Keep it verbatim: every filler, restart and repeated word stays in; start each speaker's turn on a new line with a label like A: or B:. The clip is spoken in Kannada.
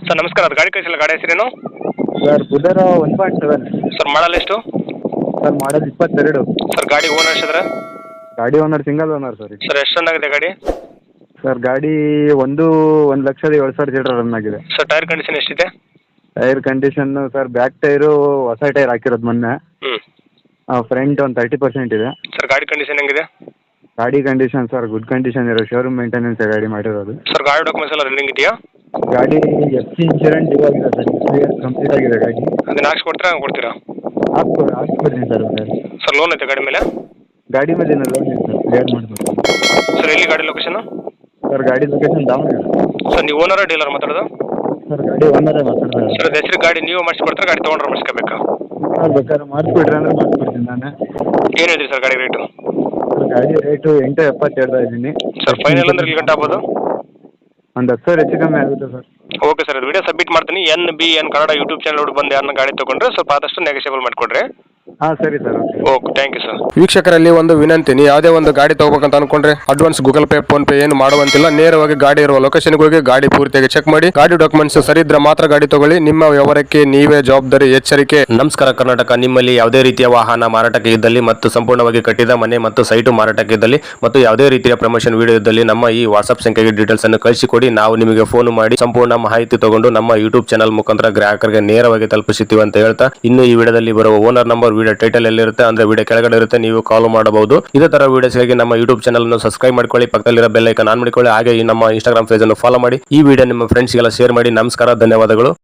A: ಸರ್ ನಮಸ್ಕಾರ, ಅದು ಗಾಡಿ ಕಳಿಸಿಲ್ಲ, ಗಾಡಿ ಹೆಸರೇನು?
B: Sir Bolero one point seven.
A: Sir model ಎಷ್ಟು?
B: ಸರ್ ಮಾಡಲ್ ಇಪ್ಪತ್ತೆರಡು.
A: ಸರ್ ಗಾಡಿ ಓನರ್ ಎಷ್ಟಿದ್ರೆ?
B: ಗಾಡಿ owner single owner sir.
A: Sir ಎಷ್ಟು ರನ್ ಆಗಿದೆ ಗಾಡಿ?
B: ಸರ್ ಗಾಡಿ ಒಂದು ಒಂದು ಲಕ್ಷದ ಏಳು ಸಾವಿರ ಲೀಟರ್ ರನ್ ಆಗಿದೆ.
A: ಸರ್ ಟೈರ್ ಕಂಡೀಷನ್ ಎಷ್ಟಿದೆ?
B: Tyre condition sir back tyre ಹೊಸ ಟೈರ್ ಹಾಕಿರೋದು ಮೊನ್ನೆ.
A: ಹ್ಞೂ
B: ಫ್ರಂಟ್ ಒಂದು ತರ್ಟಿ ಪರ್ಸೆಂಟ್ ಇದೆ.
A: ಸರ್ ಗಾಡಿ ಕಂಡೀಷನ್ ಹೆಂಗಿದೆ?
B: ಗಾಡಿ ಕಂಡೀಷನ್ ಸರ್ ಗುಡ್ ಕಂಡೀಷನ್ ಇರೋ ಶೋರೂಮ್ ಮೇಂಟೆನೆನ್ಸ್ ಗಾಡಿ ಮಾಡಿರೋದು.
A: ಸರ್ ಗಾಡಿ ಡಾಕ್ಯುಮೆಂಟ್ಸ್ ಎಲ್ಲ ರನ್ನಿಂಗ್ ಇದೆಯಾ?
B: ಗಾಡಿ ಎಫ್ ಸಿ ಇನ್ಶೂರೆನ್ಸ್ ಇವಾಗಿದೆ ಸರ್, ಕ್ಲಿಯರ್ ಕಂಪ್ಲೀಟ್ ಆಗಿದೆ ಗಾಡಿ.
A: ಅದನ್ನ ಹಾಕ್ಸಿ ಕೊಡ್ತೀರಾ ಹಂಗೆ ಕೊಡ್ತೀರಾ?
B: ಹಾಕ್ಕೊ ಹಾಕ್ಸ್ಕೊಡ್ತೀನಿ ಸರ್. ಗಾಡಿ
A: ಸರ್ ಲೋನ್ ಐತೆ ಗಾಡಿ ಮೇಲೆ?
B: ಗಾಡಿ ಮೇಲೆ ಏನೋ ಲೋನ್ ಇದೆ ಸರ್, ಕ್ಲಿಯರ್ ಮಾಡ್ಬೇಕು.
A: ಸರ್ ಎಲ್ಲಿ ಗಾಡಿ ಲೊಕೇಶನ್?
B: ಸರ್ ಗಾಡಿ ಲೊಕೇಶನ್ ದಾವಣಗೆರೆ.
A: ಸರ್ ನೀವು ಓನರ ಡೀಲರ್ ಮಾತಾಡೋದು?
B: ಸರ್ ಗಾಡಿ ಓನರೇ ಮಾತಾಡ್ತಾರೆ.
A: ಸರ್ ಹೆಸರು ಗಾಡಿ ನೀವು ಮಾಡಿಸ್ಕೊಡ್ತಾರೆ, ಗಾಡಿ ತೊಗೊಂಡ್ರೆ ಮಾಡಿಸ್ಕೋಬೇಕಾ?
B: ಸರ್ ಬೇಕಾದ್ರೆ ಮಾಡಿಸ್ಬಿಡ್ರಿ ಅಂದರೆ ಮಾಡಿಸ್ಬಿಡ್ತೀನಿ ನಾನು.
A: ಏನು ಹೇಳಿರಿ ಸರ್ ಗಾಡಿ ರೇಟು?
B: ಸರ್ ಗಾಡಿ ರೇಟು ಎಂಟು ಎಪ್ಪತ್ತು ಹೇಳ್ತಾ ಇದ್ದೀನಿ.
A: ಸರ್ ಫೈನಲ್ ಅಂದ್ರೆ ಇಲ್ಲಿ ಗಂಟೆ ಆಗ್ಬೋದು?
B: ಒಂದು ಹತ್ತು ಸಾವಿರ ಹೆಚ್ಚು ಕಮ್ಮಿ ಆಗುತ್ತೆ ಸರ್.
A: ಓಕೆ ಸರ್, ಅದು ವಿಡಿಯೋ ಸಬ್ಮಿಟ್ ಮಾಡ್ತೀನಿ. N B N Kannada YouTube channel ಬಂದು ಯಾರನ್ನ ಗಾಡಿ ತೊಗೊಂಡ್ರೆ ಸ್ವಲ್ಪ ಆದಷ್ಟು ನೆಗೋಷಿಯಬಲ್ ಮಾಡಿಕೊಡ್ರಿ.
B: ಹಾಂ ಸರಿ sir, okay
A: okay thank you sir.
C: ವೀಕ್ಷಕರಲ್ಲಿ ಒಂದು ವಿನಂತಿ, ನೀವು ಯಾವುದೇ ಒಂದು ಗಾಡಿ ತಗೋಬೇಕಂತ ಅನ್ಕೊಂಡ್ರೆ advance Google Pay PhonePe ಏನು ಮಾಡುವಂತಿಲ್ಲ. ನೇರವಾಗಿ ಗಾಡಿ ಇರುವ ಲೊಕೇಶನ್ಗೆ ಹೋಗಿ ಗಾಡಿ ಪೂರ್ತಿಯಾಗಿ ಚೆಕ್ ಮಾಡಿ, ಗಾಡಿ ಡಾಕ್ಯುಮೆಂಟ್ಸ್ ಸರಿ ಇದ್ರೆ ಮಾತ್ರ ಗಾಡಿ ತಗೊಳ್ಳಿ. ನಿಮ್ಮ ವ್ಯವಹಾರಕ್ಕೆ ನೀವೇ ಜವಾಬ್ದಾರಿ. ಎಚ್ಚರಿಕೆ. ನಮಸ್ಕಾರ ಕರ್ನಾಟಕ. ನಿಮ್ಮಲ್ಲಿ ಯಾವುದೇ ರೀತಿಯ ವಾಹನ ಮಾರಾಟಕ್ಕೆ ಇದ್ದಲ್ಲಿ ಮತ್ತು ಸಂಪೂರ್ಣವಾಗಿ ಕಟ್ಟಿದ ಮನೆ ಮತ್ತು ಸೈಟು ಮಾರಾಟಕ್ಕೆ ಇದ್ದಲ್ಲಿ ಮತ್ತು ಯಾವುದೇ ರೀತಿಯ ಪ್ರಮೋಷನ್ ವಿಡಿಯೋ ಇದ್ದಲ್ಲಿ ನಮ್ಮ ಈ ವಾಟ್ಸ್ಆಪ್ ಸಂಖ್ಯೆಗೆ ಡೀಟೇಲ್ಸ್ ಅನ್ನು ಕಳಿಸಿಕೊಡಿ. ನಾವು ನಿಮಗೆ ಫೋನ್ ಮಾಡಿ ಸಂಪೂರ್ಣ ಮಾಹಿತಿ ತಗೊಂಡು ನಮ್ಮ ಯೂಟ್ಯೂಬ್ ಚಾನಲ್ ಮುಖಾಂತರ ಗ್ರಾಹಕರಿಗೆ ನೇರವಾಗಿ ತಲುಪಿಸುತ್ತೀವಿ ಅಂತ ಹೇಳ್ತಾ, ಇನ್ನು ಈ ವಿಡಿಯೋದಲ್ಲಿ ಬರುವ ಓನರ್ ನಂಬರ್ ವಿಡಿಯೋ ಟೈಟಲ್ ಎಲ್ಲಿರುತ್ತೆ ಅಂದ್ರೆ ವಿಡಿಯೋ ಕೆಳಗಡೆ ಇರುತ್ತೆ, ನೀವು ಕಾಲ್ ಮಾಡಬಹುದು. ಇದೇ ತರ ವಿಡಿಯೋಸ್ಗಾಗಿ ನಮ್ಮ ಯೂಟ್ಯೂಬ್ ಚಾನಲ್ ಅನ್ನು ಸಬ್ಸ್ಕ್ರೈಬ್ ಮಾಡ್ಕೊಳ್ಳಿ, ಪಕ್ಕದಲ್ಲಿರೋ ಬೆಲ್ ಐಕಾನ್ ಆನ್ ಮಾಡಿಕೊಳ್ಳಿ. ಹಾಗೆ ಈ ನಮ್ಮ ಇನ್ಸ್ಟಾಗ್ರಾಮ್ ಪೇಜ್ ಅನ್ನು ಫಾಲೋ ಮಾಡಿ. ಈ ವಿಡಿಯೋ ನಿಮ್ಮ ಫ್ರೆಂಡ್ಸ್ಗೆಲ್ಲ ಶೇರ್ ಮಾಡಿ. ನಮಸ್ಕಾರ, ಧನ್ಯವಾದಗಳು.